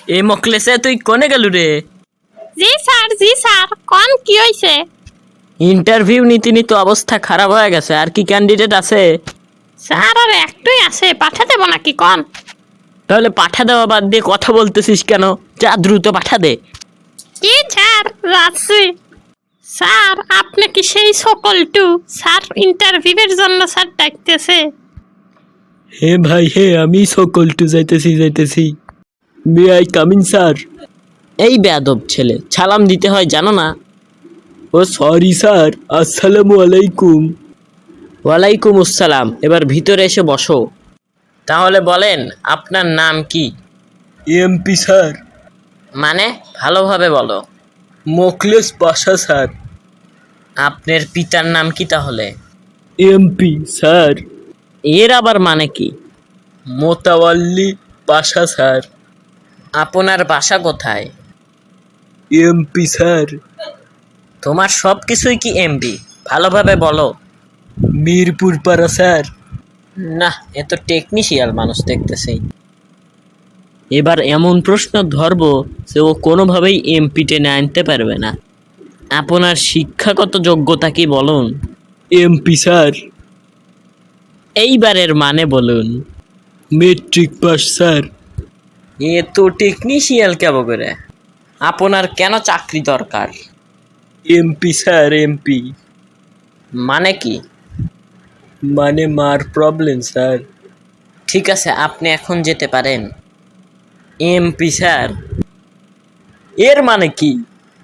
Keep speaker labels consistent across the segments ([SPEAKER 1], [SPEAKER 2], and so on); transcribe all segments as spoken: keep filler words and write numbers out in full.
[SPEAKER 1] এ মকলেসে তুই কোনে গেলু রে?
[SPEAKER 2] জি স্যার জি স্যার কোন কি হইছে?
[SPEAKER 1] ইন্টারভিউ নীতি নিতে অবস্থা খারাপ হয়ে গেছে। আর কি ক্যান্ডিডেট আছে?
[SPEAKER 2] স্যার আর একটাই আছে, পাঠা দেব নাকি কোন?
[SPEAKER 1] তাহলে পাঠা দেওয়া বাদ দিয়ে কথা বলতেছিস কেন? যা দ্রুত পাঠা দে।
[SPEAKER 2] কি স্যার যাচ্ছি। স্যার আপনি কি সেই সকলটু? স্যার ইন্টারভিউয়ের জন্য স্যার ডাকতেছে।
[SPEAKER 1] হে ভাই হে, আমি সকলটু যাইতেছি যাইতেছি মে আই কামিং স্যার? এই বেয়াদব ছেলে, সালাম দিতে হয় জানো না? ও সরি স্যার, আসসালামু আলাইকুম। ওয়ালাইকুম আসসালাম। এবার ভিতরে এসে বসো। তাহলে বলেন আপনার নাম কি? MP sir. মানে ভালোভাবে বলো। মোখলেস পাশা স্যার। আপনার পিতার নাম কি তাহলে? MP sir. এর আবার মানে কি? মোতাওয়াল্লি পাশা স্যার। আপনার বাসা কোথায়? MP sir. তোমার সব কিছুই কি এমপি? ভালোভাবে বলো। মিরপুর পাড়া স্যার। না, এ তো টেকনিশিয়াল মানুষ দেখতেছি। এবার এমন প্রশ্ন ধরবো যে ও কোনোভাবেই এমপি টেনে আনতে পারবে না। আপনার শিক্ষাগত যোগ্যতা কি বলুন? MP sir. এইবারের মানে বলুন। Matric pass sir. এ তো টেকনিশিয়াল কেব করে। আপনার কেন চাকরি দরকার? MP sir MP. মানে কি? মানে মার প্রবলেম স্যার। ঠিক আছে, আপনি এখন যেতে পারেন। এমপি স্যার এর মানে কি?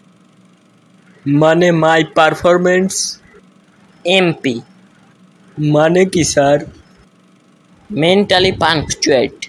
[SPEAKER 1] মানে মাই পারফরমেন্স। এমপি মানে কি স্যার? Mentally punctuate.